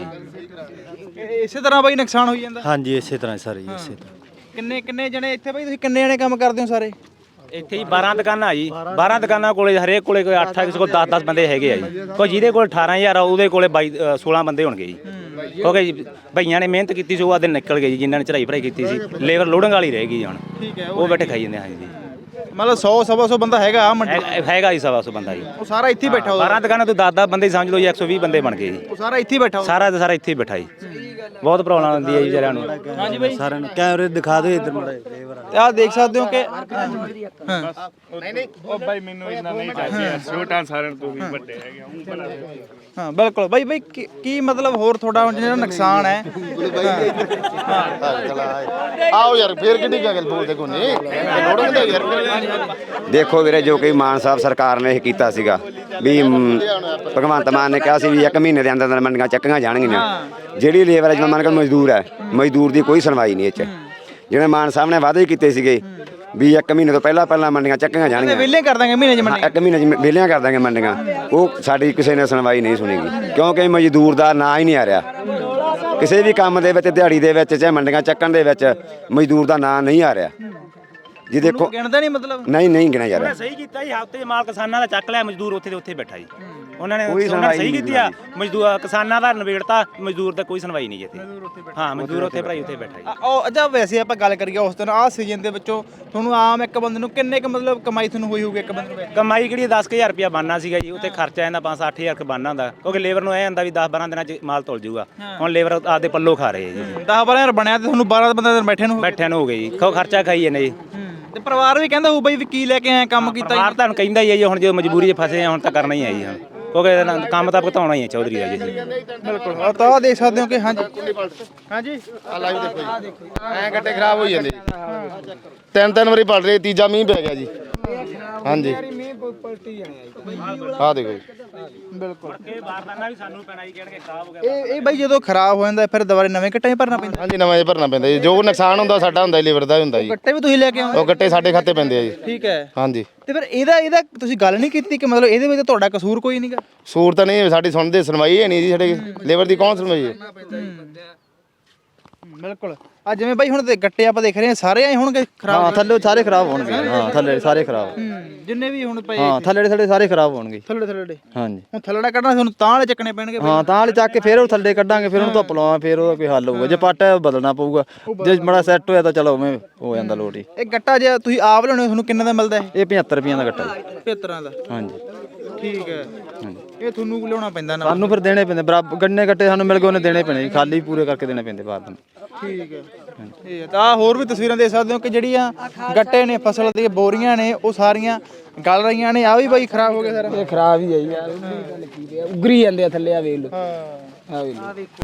ਇਸੇ ਤਰ੍ਹਾਂ ਬਾਈ ਨੁਕਸਾਨ ਹੋਈ ਜਾਂਦਾ ਹਾਂਜੀ ਇਸੇ ਤਰ੍ਹਾਂ ਸਾਰੇ ਜੀ ਇਸੇ ਤਰ੍ਹਾਂ ਕਿੰਨੇ ਜਣੇ ਇੱਥੇ ਬਾਈ ਤੁਸੀਂ ਕਿੰਨੇ ਜਣੇ ਕੰਮ ਕਰਦੇ ਹੋ ਸਾਰੇ? ਇੱਥੇ ਹੀ 12 ਦੁਕਾਨਾਂ ਜੀ 12 ਦੁਕਾਨਾਂ ਕੋਲੇ ਹਰੇਕ ਕੋਲੇ ਕੋਈ 8 ਕਿਸੇ ਕੋਲ 10 ਬੰਦੇ ਹੈਗੇ ਆ ਜੀ ਕੋਈ ਜਿਹਦੇ ਕੋਲ 18000 ਆ ਉਹਦੇ ਕੋਲੇ 16 ਬੰਦੇ ਹੋਣਗੇ ਜੀ ਕਿਉਂਕਿ ਭਈਆਂ ਨੇ ਮਿਹਨਤ ਕੀਤੀ ਸੀ ਉਹ ਆਦੇ ਨਿਕਲ ਗਏ ਜੀ ਜਿਨ੍ਹਾਂ ਨੇ ਚੜਾਈ ਭਰਾਈ ਕੀਤੀ ਸੀ ਲੇਬਰ ਲੋਡਿੰਗ ਵਾਲੀ ਰਹਿ ਗਈ ਹੁਣ ਠੀਕ ਹੈ ਉਹ ਬੈਠੇ ਖਾਈ ਜਾਂਦੇ ਹਾਂ ਜੀ ਮਤਲਬ 100 ਸਵਾ 100 ਬੰਦਾ ਹੈਗਾ ਮੰਡੀ ਹੈਗਾ ਜੀ 100 ਬੰਦਾ ਜੀ ਉਹ ਸਾਰਾ ਇੱਥੇ ਹੀ ਬੈਠਾ ਹੋਊ 12 ਦੁਕਾਨਾਂ ਤੋਂ 10 ਬੰਦੇ ਸਮਝ ਲਓ ਜੀ 120 ਬੰਦੇ ਬਣ ਗਏ ਜੀ ਉਹ ਸਾਰਾ ਇੱਥੇ ਹੀ ਬੈਠਾ ਹੋਊ ਸਾਰਾ ਦਾ ਸਾਰਾ ਇੱਥੇ ਹੀ ਬੈਠਾ ਜੀ ਬਹੁਤ ਪ੍ਰੋਬਲਮ ਆਉਂਦੀ ਹੈ ਜੀ ਵਿਚਾਰਿਆਂ ਨੂੰ ਹਾਂਜੀ ਬਾਈ ਸਾਰਿਆਂ ਨੂੰ ਕੈਮਰੇ ਦਿਖਾ ਦਿਓ ਇੱਧਰ ਮੜਾ ਲੇਬਰ ਤੇ ਆਹ ਦੇਖ ਸਕਦੇ ਹੋ ਕਿ ਹਾਂ ਬਿਲਕੁਲ ਬਾਈ ਬਾਈ ਕੀ ਮਤਲਬ ਹੋਰ ਤੁਹਾਡਾ ਜਿਹੜਾ ਨੁਕਸਾਨ ਹੈ ਆਓ ਯਾਰ ਫੇਰ ਕਿੱਡੀ ਗੱਲ ਬੋਲਦੇ ਕੋਈ ਨਹੀਂ ਲੋੜੋਂ ਦਾ ਯਾਰ ਦੇਖੋ ਵੀਰੇ ਜੋ ਕਿ ਮਾਨ ਸਾਹਿਬ ਸਰਕਾਰ ਨੇ ਇਹ ਕੀਤਾ ਸੀਗਾ ਵੀ ਭਗਵੰਤ ਮਾਨ ਨੇ ਕਿਹਾ ਸੀ ਵੀ 1 ਮਹੀਨੇ ਦੇ ਅੰਦਰ ਅੰਦਰ ਮੰਡੀਆਂ ਚੱਕੀਆਂ ਜਾਣਗੀਆਂ ਜਿਹੜੀ ਲੇਬਰ ਜਿਵੇਂ ਮੰਨ ਕੇ ਮਜ਼ਦੂਰ ਹੈ ਮਜ਼ਦੂਰ ਦੀ ਕੋਈ ਸੁਣਵਾਈ ਨਹੀਂ ਇਹ 'ਚ ਜਿਵੇਂ ਮਾਨ ਸਾਹਿਬ ਨੇ ਵਾਅਦੇ ਕੀਤੇ ਸੀਗੇ ਵੀ 1 ਮਹੀਨੇ ਤੋਂ ਪਹਿਲਾਂ ਮੰਡੀਆਂ ਚੱਕੀਆਂ ਜਾਣਗੀਆਂ ਵਿਹਲੇ ਕਰ ਦਾਂਗੇ ਮਹੀਨੇ 'ਚ ਮੰਡੀ 1 ਮਹੀਨੇ 'ਚ ਵਿਹਲੀਆਂ ਕਰ ਦਾਂਗੇ ਮੰਡੀਆਂ ਉਹ ਸਾਡੀ ਕਿਸੇ ਨੇ ਸੁਣਵਾਈ ਨਹੀਂ ਸੁਣੀਗੀ ਕਿਉਂਕਿ ਮਜ਼ਦੂਰ ਦਾ ਨਾਂ ਹੀ ਨਹੀਂ ਆ ਰਿਹਾ ਕਿਸੇ ਵੀ ਕੰਮ ਦੇ ਵਿੱਚ ਦਿਹਾੜੀ ਦੇ ਵਿੱਚ ਚਾਹੇ ਮੰਡੀਆਂ ਚੱਕਣ ਦੇ ਵਿੱਚ ਮਜ਼ਦੂਰ ਦਾ ਨਾਂ ਨਹੀਂ ਆ ਰਿਹਾ ਜੀ ਦੇਖੋ ਗਿਣਦਾ ਨਹੀਂ ਮਤਲਬ ਨਹੀਂ ਗਿਣਿਆ ਯਾਰ। ਉਹਨੇ ਸਹੀ ਕੀਤਾ ਜੀ, ਹਫ਼ਤੇ 'ਚ ਮਾਲ ਕਿਸਾਨਾਂ ਦਾ ਚੱਕ ਲਿਆ, ਮਜ਼ਦੂਰ ਉੱਥੇ ਦੇ ਉੱਥੇ ਬੈਠਾ ਜੀ। ਉਹਨਾਂ ਨੇ ਕੋਈ ਉਹਨਾਂ ਨੇ ਸੁਣਵਾਈ ਸਹੀ ਨਹੀਂ ਕੀਤੀ ਆ, ਮਜ਼ਦੂਰ ਕਿਸਾਨਾਂ ਦਾ ਨਵੇੜਤਾ, ਮਜ਼ਦੂਰ ਦਾ ਕੋਈ ਸੁਣਵਾਈ ਨਹੀਂ ਜੀ ਇੱਥੇ। ਹਾਂ ਮਜ਼ਦੂਰ ਉੱਥੇ ਭਰਾਈ ਉੱਥੇ ਬੈਠਾ ਜੀ। ਉਹ ਅੱਛਾ ਵੈਸੇ ਆਪਾਂ ਗੱਲ ਕਰੀਏ ਉਸ ਦਿਨ ਆਹ ਸੀਜ਼ਨ ਦੇ ਵਿੱਚੋਂ ਤੁਹਾਨੂੰ ਆਮ ਇੱਕ ਬੰਦੇ ਨੂੰ ਕਿੰਨੇ ਕੁ ਮਤਲਬ ਕਮਾਈ ਤੁਹਾਨੂੰ ਹੋਈ ਹੋਊਗੀ ਇੱਕ ਬੰਦੇ ਨੂੰ? ਕਮਾਈ ਕਿਹੜੀ 10000 ਰੁਪਇਆ ਬਣਨਾ ਸੀਗਾ ਜੀ, ਉੱਥੇ ਖਰਚਾ ਜਾਂਦਾ 5-8000 ਕ ਬਣਨਾ ਹੁੰਦਾ, ਕਿਉਂਕਿ ਲੇਬਰ ਨੂੰ ਇਹ ਹੁੰਦਾ ਵੀ 10-12 ਦਿਨਾਂ 'ਚ ਮਾਲ ਤੁਲ ਜੂਗਾ। ਹੁਣ ਲੇਬਰ ਆਪਦੇ ਪੱਲੋਂ ਖਾ ਰਹੇ ਜੀ, 10-12 ਬਣਿਆ ਤੇ ਤੁਹਾਨੂੰ 12 ਬੰਦੇ ਬੈਠੇ ਨੂੰ ਬੈਠਿਆਂ ਨੂੰ ਹੋ ਗਏ ਜੀ, ਖਰਚਾ ਖਾਈ ਜਾਂਦੇ ਜੀ। ਤੇ ਪਰਿਵਾਰ ਵੀ ਕਹਿੰਦਾ ਹੋਊ ਬਈ ਵੀ ਕੀ ਲੈ ਕੇ ਆਏ ਕੰਮ ਕੀਤਾ ਪਰਿਵਾਰ ਤੁਹਾਨੂੰ ਕਹਿੰਦਾ ਹੀ ਹੈ ਜੀ, ਹੁਣ ਜੇ ਮਜਬੂਰੀ 'ਚ ਫਸੇ ਆ ਹੁਣ ਤਾਂ ਕਰਨਾ ਹੀ ਹੈ ਜੀ, ਹੁਣ ਕਿਉਂਕਿ ਇਹਦੇ ਨਾਲ ਕੰਮ ਤਾਂ ਭੁਗਤਾਉਣਾ ਹੀ ਹੈ ਚੌਧਰੀ ਦਾ ਜੀ। ਬਿਲਕੁਲ ਆ ਤਾਂ ਆਹ ਦੇਖ ਸਕਦੇ ਹੋ ਕਿ ਹਾਂਜੀ ਹਾਂਜੀ ਆ ਲਾਈਵ ਦੇਖੋ ਜੀ, ਐਂ ਗੱਡੇ ਖਰਾਬ ਹੋਈ ਜਾਂਦੇ ਜੀ। ਤਿੰਨ ਵਾਰੀ ਪੜ ਰਹੇ, ਤੀਜਾ ਮੀਂਹ ਪੈ ਗਿਆ ਜੀ। ਹਾਂਜੀ ਆ ਦੇਖੋ ਜੀ। ਬਿਲਕੁਲ ਇਹ ਬਾਰਦਾਨਾ ਵੀ ਸਾਨੂੰ ਪੈਣਾ ਜੀ, ਕਹਿਣਗੇ ਖਰਾਬ ਹੋ ਗਿਆ। ਇਹ ਬਈ ਜਦੋਂ ਖਰਾਬ ਹੋ ਜਾਂਦਾ ਫਿਰ ਦੁਬਾਰੇ ਨਵੇਂ ਗੱਟੇ ਭਰਨਾ ਪੈਂਦਾ? ਹਾਂਜੀ ਨਵਾਂ ਜਿਹਾ ਭਰਨਾ ਪੈਂਦਾ ਜੀ, ਜੋ ਨੁਕਸਾਨ ਹੁੰਦਾ ਸਾਡਾ ਹੁੰਦਾ, ਲੇਬਰ ਦਾ ਹੁੰਦਾ ਜੀ। ਗੱਟੇ ਵੀ ਤੁਸੀਂ ਲੈ ਕੇ ਆਉਂਦੇ? ਉਹ ਗੱਟੇ ਸਾਡੇ ਖਾਤੇ ਪੈਂਦੇ ਆ ਜੀ। ਠੀਕ ਹੈ। ਹਾਂਜੀ ਤੇ ਫਿਰ ਇਹਦਾ ਤੁਸੀਂ ਗੱਲ ਨਹੀਂ ਕੀਤੀ ਕਿ ਮਤਲਬ ਇਹਦੇ ਵਿੱਚ ਤੁਹਾਡਾ ਕਸੂਰ ਕੋਈ ਨਹੀਂਗਾ? ਸੂਰ ਤਾਂ ਨਹੀਂ ਸਾਡੀ ਸੁਣਦੇ, ਸੁਣਵਾਈ ਹੈ ਨਹੀਂ ਜੀ ਸਾਡੇ ਲੇਬਰ ਦੀ, ਕੌਣ ਸੁਣਵਾਈ ਹੈ? ਬਿਲਕੁਲ ਆ ਜਿਵੇਂ ਬਾਈ ਹੁਣ ਤੇ ਗੱਟੇ ਆਪਾਂ ਦੇਖ ਰਹੇ ਹਾਂ ਸਾਰੇ ਆਏ ਹੋਣਗੇ ਖਰਾਬ? ਹਾਂ ਥੱਲੇ ਸਾਰੇ ਖਰਾਬ ਹੋਣਗੇ। ਹਾਂ ਥੱਲੇ ਸਾਰੇ ਖਰਾਬ। ਜਿੰਨੇ ਵੀ ਹੁਣ ਪਏ ਹਾਂ ਥੱਲੇ ਸਾਰੇ ਖਰਾਬ ਹੋਣਗੇ। ਥੱਲੇ ਹਾਂਜੀ ਹੁਣ ਥੱਲੜਾ ਕੱਢਣਾ ਤੁਹਾਨੂੰ ਤਾਂ ਵਾਲੇ ਚੱਕਣੇ ਪੈਣਗੇ? ਹਾਂ ਤਾਂ ਵਾਲੇ ਚੱਕ ਕੇ ਫਿਰ ਉਹ ਥੱਲੇ ਕੱਢਾਂਗੇ, ਫਿਰ ਉਹਨੂੰ ਧੁੱਪ ਲਾਵਾਂ, ਫਿਰ ਉਹਦਾ ਕੋਈ ਹੱਲ ਹੋਊਗਾ। ਜੇ ਪੱਟ ਬਦਲਣਾ ਪਊਗਾ, ਜੇ ਬੜਾ ਸੈੱਟ ਹੋਇਆ ਤਾਂ ਚਲੋ ਉਵੇਂ ਹੋ ਜਾਂਦਾ ਲੋਟ ਹੀ। ਇਹ ਗੱਟਾ ਜੇ ਤੁਸੀਂ ਆਪ ਲਿਆਉਣੇ ਤੁਹਾਨੂੰ ਕਿੰਨੇ ਦਾ ਮਿਲਦਾ ਇਹ 75 ਰੁਪਈਆਂ ਦਾ ਗੱਟਾ ਜੀ। 75 ਦਾ? ਹਾਂਜੀ ਠੀਕ ਹੈ। ਇਹ ਤੁਹਾਨੂੰ ਲਿਆਉਣਾ ਪੈਂਦਾ ਨਾ? ਸਾਨੂੰ ਫਿਰ ਦੇਣੇ ਪੈਂਦੇ ਬਰਾਬਰ, ਗੰਨੇ ਗੱਟੇ ਸਾਨੂੰ ਮਿਲ ਗਏ ਉਹਨੇ ਦੇਣੇ ਪੈਣੇ ਜੀ, ਖਾਲੀ ਪੂਰੇ ਕਰਕੇ ਦੇਣੇ ਪੈਂਦੇ ਬਾਅਦ ਨੂੰ। ਠੀਕ ਹੈ। ਇਹ ਤਾਂ ਹੋਰ ਵੀ ਤਸਵੀਰਾਂ ਦੇਖ ਸਕਦੇ ਹੋ ਕਿ ਜਿਹੜੀਆਂ ਗੱਟੇ ਨੇ ਫਸਲ ਦੀਆਂ ਬੋਰੀਆਂ ਨੇ ਉਹ ਸਾਰੀਆਂ ਗਲ ਰਹੀਆਂ ਨੇ। ਆ ਵੀ ਬਾਈ ਖਰਾਬ ਹੋ ਗਿਆ ਸਾਰਾ? ਇਹ ਖਰਾਬ ਹੀ ਹੈ ਯਾਰ, ਉਗਰੀ ਜਾਂਦੇ ਆ ਥੱਲੇ, ਆ ਵੇਖ ਲਓ। ਆ ਵੇਖ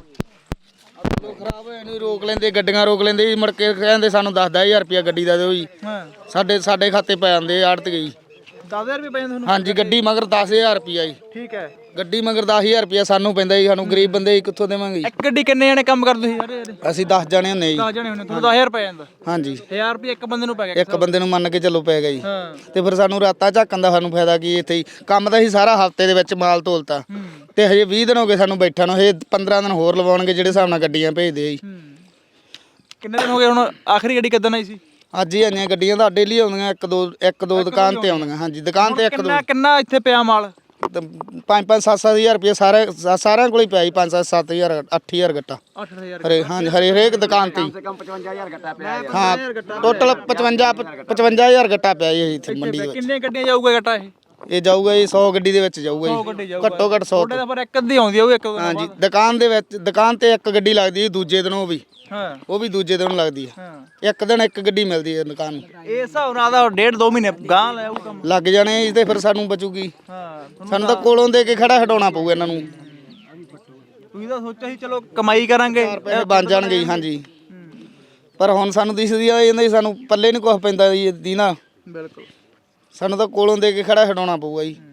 ਲਓ ਖਰਾਬ ਹੋਏ ਨੂੰ ਰੋਕ ਲੈਂਦੇ, ਗੱਡੀਆਂ ਰੋਕ ਲੈਂਦੇ ਜੀ, ਮੁੜ ਕੇ ਕਹਿੰਦੇ ਸਾਨੂੰ 10,000 ਰੁਪਇਆ ਗੱਡੀ ਦਾ ਦਿਓ ਜੀ। ਸਾਡੇ ਖਾਤੇ ਪੈ ਜਾਂਦੇ ਆੜਤ ਗਈ। 10,000 ਰੁਪਏ ਪੈਂਦੇ ਤੁਹਾਨੂੰ? ਹਾਂਜੀ ਗੱਡੀ ਮਗਰ 10,000 ਰੁਪਇਆ ਜੀ। ਠੀਕ ਹੈ। ਗੱਡੀ ਮਗਰ 10,000 ਰੁਪਇਆ ਸਾਨੂੰ ਪੈਂਦਾ ਜੀ, ਸਾਨੂੰ ਗਰੀਬ ਬੰਦੇ ਕਿੱਥੋਂ ਦੇਵਾਂਗੇ ਜੀ? ਇੱਕ ਗੱਡੀ ਕਿੰਨੇ ਜਣੇ ਕੰਮ ਕਰਦੇ ਸੀ ਸਾਰੇ? ਅਸੀਂ 10 ਜਣੇ ਹੁੰਦੇ ਜੀ। 10 ਜਣੇ ਹੁੰਦੇ, ਤੁਹਾਨੂੰ 10,000 ਰੁਪਏ ਜਾਂਦਾ? ਹਾਂਜੀ 1000 ਰੁਪਏ ਇੱਕ ਬੰਦੇ ਨੂੰ ਪੈ ਗਿਆ? ਇੱਕ ਬੰਦੇ ਨੂੰ ਮੰਨ ਕੇ ਚੱਲੋ ਪੈ ਗਿਆ ਜੀ। ਹਾਂ। ਤੇ ਫਿਰ ਸਾਨੂੰ ਰਾਤਾਂ ਝਾਕਣ ਦਾ ਸਾਨੂੰ ਫਾਇਦਾ ਕੀ ਇੱਥੇ ਹੀ? ਕੰਮ ਤਾਂ ਅਸੀਂ ਸਾਰਾ ਹਫ਼ਤੇ ਦੇ ਵਿੱਚ ਮਾਲ ਤੋਲਤਾ, ਤੇ ਹਜੇ 20 ਦਿਨ ਹੋ ਗਏ ਸਾਨੂੰ ਬੈਠਾ ਨੂੰ, ਹਜੇ 15 ਦਿਨ ਹੋਰ ਲਵਾਉਣਗੇ ਜਿਹੜੇ ਹਿਸਾਬ ਨਾਲ ਗੱਡੀਆਂ ਭੇਜਦੇ ਆ ਜੀ। ਕਿੰਨੇ ਦਿਨ ਹੋ ਗਏ ਹੁਣ? ਆਖਰੀ ਗੱਡੀ ਕਦੋਂ ਆਈ ਸੀ? ਅੱਜ ਹੀ ਆਈਆਂ ਗੱਡੀਆਂ ਤਾਂ ਡੇਲੀ ਆਉਂਦੀਆਂ, ਇੱਕ ਦੋ ਦੁਕਾਨ ਤੇ ਆਉਂਦੀਆਂ। ਹਾਂਜੀ ਦੁਕਾਨ ਤੇ ਇੱਕ ਦੋ। ਕਿੰਨਾ ਇੱਥੇ ਪਿਆ ਮਾਲ? 5-5 7-7 ਹਜ਼ਾਰ ਰੁਪਏ ਸਾਰਿਆਂ ਕੋਲ ਹੀ ਪਿਆ ਜੀ। 5-7 ਹਜ਼ਾਰ 8,000 ਗੱਟਾ 8,000? ਹਾਂਜੀ ਹਰੇਕ ਦੁਕਾਨ ਤੇ ਹੀ। 55,000 ਗੱਟਾ ਪਿਆ ਹੈ। ਹਾਂ ਟੋਟਲ 55,000 ਗੱਟਾ ਪਿਆ ਜੀ ਇੱਥੇ ਮੰਡੀ ਦੇ ਵਿੱਚ। ਕਿੰਨੀਆਂ ਗੱਡੀਆਂ ਜਾਊਗਾ ਗੱਟਾ ਇਹ? ਇਹ ਜਾਊਗਾ ਜੀ 100 ਗੱਡੀ ਦੇ ਵਿੱਚ ਜਾਊਗਾ 100 ਗੱਡੀ ਜੀ, ਜਾਊਗਾ ਘੱਟੋ ਘੱਟ 100 ਤੁਹਾਡੇ ਤਾਂ ਪਰ ਇੱਕ ਅੱਧੀ ਆਉਂਦੀ ਹੋਊ ਇੱਕ ਦੋ ਦਿਨ ਹਾਂਜੀ ਬਾਅਦ। ਦੁਕਾਨ ਤੇ ਇੱਕ ਗੱਡੀ ਲੱਗਦੀ ਜੀ, ਦੂਜੇ ਦਿਨ ਹਾਂ ਉਹ ਵੀ ਦੂਜੇ ਦਿਨ ਲੱਗਦੀ ਹੈ। ਹਾਂ। ਇੱਕ ਦਿਨ ਇੱਕ ਗੱਡੀ ਮਿਲਦੀ ਹੈ ਦੁਕਾਨ ਨੂੰ। ਇਹ ਹਿਸਾਬ ਨਾਲ ਦਾ 1.5-2 ਮਹੀਨੇ ਗਾਂ ਲੈ ਆਊ ਕੰਮ। ਲੱਗ ਜਾਣੇ ਜੀ, ਤੇ ਫਿਰ ਸਾਨੂੰ ਬਚੂਗੀ। ਹਾਂ ਸਾਨੂੰ ਤਾਂ ਕੋਲੋਂ ਦੇ ਕੇ ਖੜਾ ਹਟਾਉਣਾ ਪਊ ਇਹਨਾਂ ਨੂੰ। ਤੁਸੀਂ ਤਾਂ ਸੋਚਿਆ ਸੀ ਚਲੋ ਕਮਾਈ ਕਰਾਂਗੇ, ਪੈਸੇ ਬਣ ਜਾਣਗੇ ਜੀ। ਹਾਂਜੀ ਪਰ ਹੁਣ ਸਾਨੂੰ ਦਿਸਦੀ ਆ ਜਾਂਦਾ ਜੀ, ਸਾਨੂੰ ਪੱਲੇ ਨਹੀਂ ਕੁਝ ਪੈਂਦਾ ਜੀ ਦੀ ਨਾ। ਬਿਲਕੁਲ ਸਾਨੂੰ ਤਾਂ ਕੋਲੋਂ ਦੇ ਕੇ ਖੜਾ ਹਟਾਉਣਾ ਪਊਗਾ ਜੀ।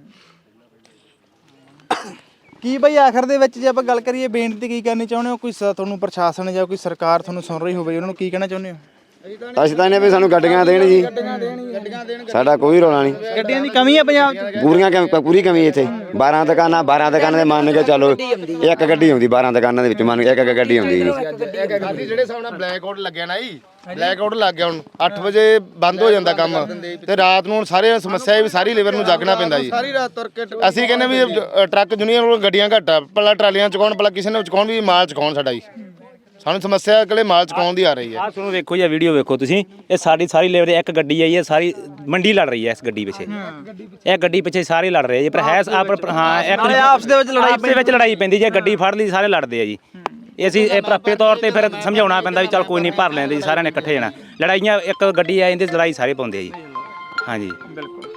ਕੀ ਬਈ ਆਖਰ ਦੇ ਵਿੱਚ ਜੇ ਆਪਾਂ ਗੱਲ ਕਰੀਏ ਬੇਨਤੀ ਕੀ ਕਰਨੀ ਚਾਹੁੰਦੇ ਹੋ? ਕੋਈ ਤੁਹਾਨੂੰ ਪ੍ਰਸ਼ਾਸਨ ਜਾਂ ਕੋਈ ਸਰਕਾਰ ਤੁਹਾਨੂੰ ਸੁਣ ਰਹੀ ਹੋਵੇ, ਉਹਨਾਂ ਨੂੰ ਕੀ ਕਹਿਣਾ ਚਾਹੁੰਦੇ ਹੋ? ਅਸੀਂ ਤਾਂ ਇਹਨੇ ਵੀ ਸਾਨੂੰ ਗੱਡੀਆਂ ਦੇਣ ਜੀ, ਸਾਡਾ ਕੋਈ ਰੌਲਾ ਨਹੀਂ। ਗੱਡੀਆਂ ਦੀ ਕਮੀ ਹੈ ਪੰਜਾਬ 'ਚ? ਪੂਰੀ ਕਮੀ ਇੱਥੇ 12 ਦੁਕਾਨਾਂ ਦੇ ਮੰਨ ਕੇ ਚਲੋ ਇੱਕ ਗੱਡੀ ਆਉਂਦੀ 12 ਦੁਕਾਨਾਂ ਦੇ ਵਿੱਚ, ਮੰਨ ਕੇ ਇੱਕ ਗੱਡੀ ਆਉਂਦੀ ਜੀ। ਜਿਹੜੇ ਹਿਸਾਬ ਨਾਲ ਬਲੈਕ ਆਊਟ ਲੱਗਿਆ ਨਾ ਜੀ, ਬਲੈਕ ਆਊਟ ਲੱਗ ਗਿਆ ਹੁਣ 8 ਵਜੇ ਬੰਦ ਹੋ ਜਾਂਦਾ ਕੰਮ, ਤੇ ਰਾਤ ਨੂੰ ਸਾਰੇ ਸਮੱਸਿਆ ਹੈ ਵੀ ਸਾਰੀ ਲੇਬਰ ਨੂੰ ਜਾਗਣਾ ਪੈਂਦਾ ਜੀ। ਸਾਰੀ ਰਾਤ ਤੁਰ ਕੇ ਅਸੀਂ ਕਹਿੰਦੇ ਵੀ ਟਰੱਕ ਯੂਨੀਅਨ ਕੋਲ ਗੱਡੀਆਂ ਘੱਟ ਆ, ਭਲਾ ਟਰਾਲੀਆਂ ਚੁਕਾਉਣ, ਭਲਾ ਕਿਸੇ ਨੇ ਚੁਕਾਉਣ, ਵੀ ਮਾਲ ਚੁਕਾਉਣ ਸਾਡਾ ਜੀ। ਸਾਨੂੰ ਸਮੱਸਿਆ ਕਿਹੜੇ ਮਾਲ ਚੁਕਾਉਣ ਦੀ ਆ ਰਹੀ ਹੈ। ਆਹ ਸੁਣੋ ਵੇਖੋ ਜੀ, ਵੀਡੀਓ ਵੇਖੋ ਤੁਸੀਂ, ਇਹ ਸਾਡੀ ਸਾਰੀ ਲੇਬਰ ਇੱਕ ਗੱਡੀ ਆਈ ਹੈ, ਸਾਰੀ ਮੰਡੀ ਲੜ ਰਹੀ ਹੈ ਇਸ ਗੱਡੀ ਪਿੱਛੇ। ਇਹ ਗੱਡੀ ਪਿੱਛੇ ਸਾਰੇ ਲੜ ਰਹੇ ਜੀ, ਪਰ ਹੈ ਹਾਂ ਇੱਕ ਆਪਸ ਦੇ ਵਿੱਚ ਲੜਾਈ ਪੈਂਦੀ ਜੇ ਗੱਡੀ ਫੜ ਲਈ ਸਾਰੇ ਲੜਦੇ ਆ ਜੀ। ਅਸੀਂ ਇਹ ਪ੍ਰਾਪੇ ਤੌਰ ਤੇ ਫਿਰ ਸਮਝਾਉਣਾ ਪੈਂਦਾ ਵੀ ਚੱਲ ਕੋਈ ਨਹੀਂ ਭਰ ਲੈਂਦੇ ਜੀ, ਸਾਰਿਆਂ ਨੇ ਇਕੱਠੇ ਜਾਣਾ। ਲੜਾਈਆਂ ਇੱਕ ਗੱਡੀ ਆ ਜਾਂਦੀ, ਲੜਾਈ ਸਾਰੇ ਪਾਉਂਦੇ ਆ ਜੀ। ਹਾਂਜੀ ਬਿਲਕੁਲ